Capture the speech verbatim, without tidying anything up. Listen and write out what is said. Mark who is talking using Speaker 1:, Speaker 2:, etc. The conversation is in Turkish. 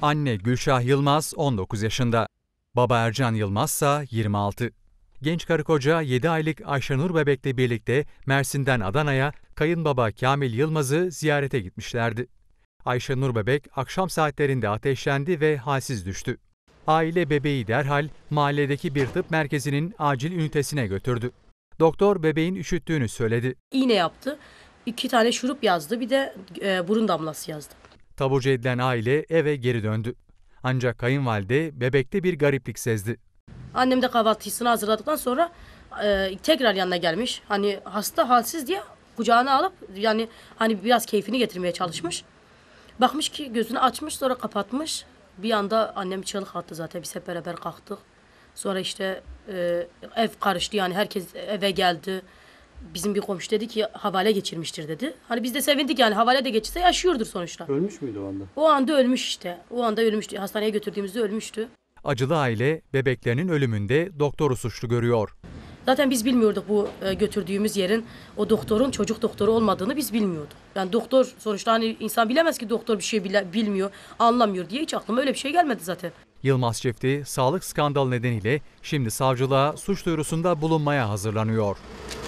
Speaker 1: Anne Gülşah Yılmaz on dokuz yaşında. Baba Ercan Yılmaz ise yirmi altı. Genç karı koca yedi aylık Ayşenur bebekle birlikte Mersin'den Adana'ya kayınbaba Kamil Yılmaz'ı ziyarete gitmişlerdi. Ayşenur bebek akşam saatlerinde ateşlendi ve halsiz düştü. Aile bebeği derhal mahalledeki bir tıp merkezinin acil ünitesine götürdü. Doktor bebeğin üşüttüğünü söyledi.
Speaker 2: İğne yaptı, iki tane şurup yazdı, bir de e, burun damlası yazdı.
Speaker 1: Taburcu edilen aile eve geri döndü. Ancak kayınvalide bebekte bir gariplik sezdi.
Speaker 2: Annem de kahvaltısını hazırladıktan sonra e, tekrar yanına gelmiş. Hani hasta halsiz diye kucağına alıp yani hani biraz keyfini getirmeye çalışmış. Bakmış ki gözünü açmış, sonra kapatmış. Bir anda annem çığlık attı zaten, biz hep beraber kalktık. Sonra işte e, ev karıştı, yani herkes eve geldi. Bizim bir komşu dedi ki havale geçirmiştir dedi. Hani biz de sevindik, yani havale de geçirse yaşıyordur sonuçta.
Speaker 3: Ölmüş müydü o anda?
Speaker 2: O anda ölmüş işte. O anda ölmüştü. Hastaneye götürdüğümüzde ölmüştü.
Speaker 1: Acılı aile bebeklerinin ölümünde doktoru suçlu görüyor.
Speaker 2: Zaten biz bilmiyorduk bu e, götürdüğümüz yerin o doktorun çocuk doktoru olmadığını biz bilmiyorduk. Yani doktor sonuçta, hani insan bilemez ki doktor bir şey bile, bilmiyor, anlamıyor diye, hiç aklıma öyle bir şey gelmedi zaten.
Speaker 1: Yılmaz çifti sağlık skandalı nedeniyle şimdi savcılığa suç duyurusunda bulunmaya hazırlanıyor.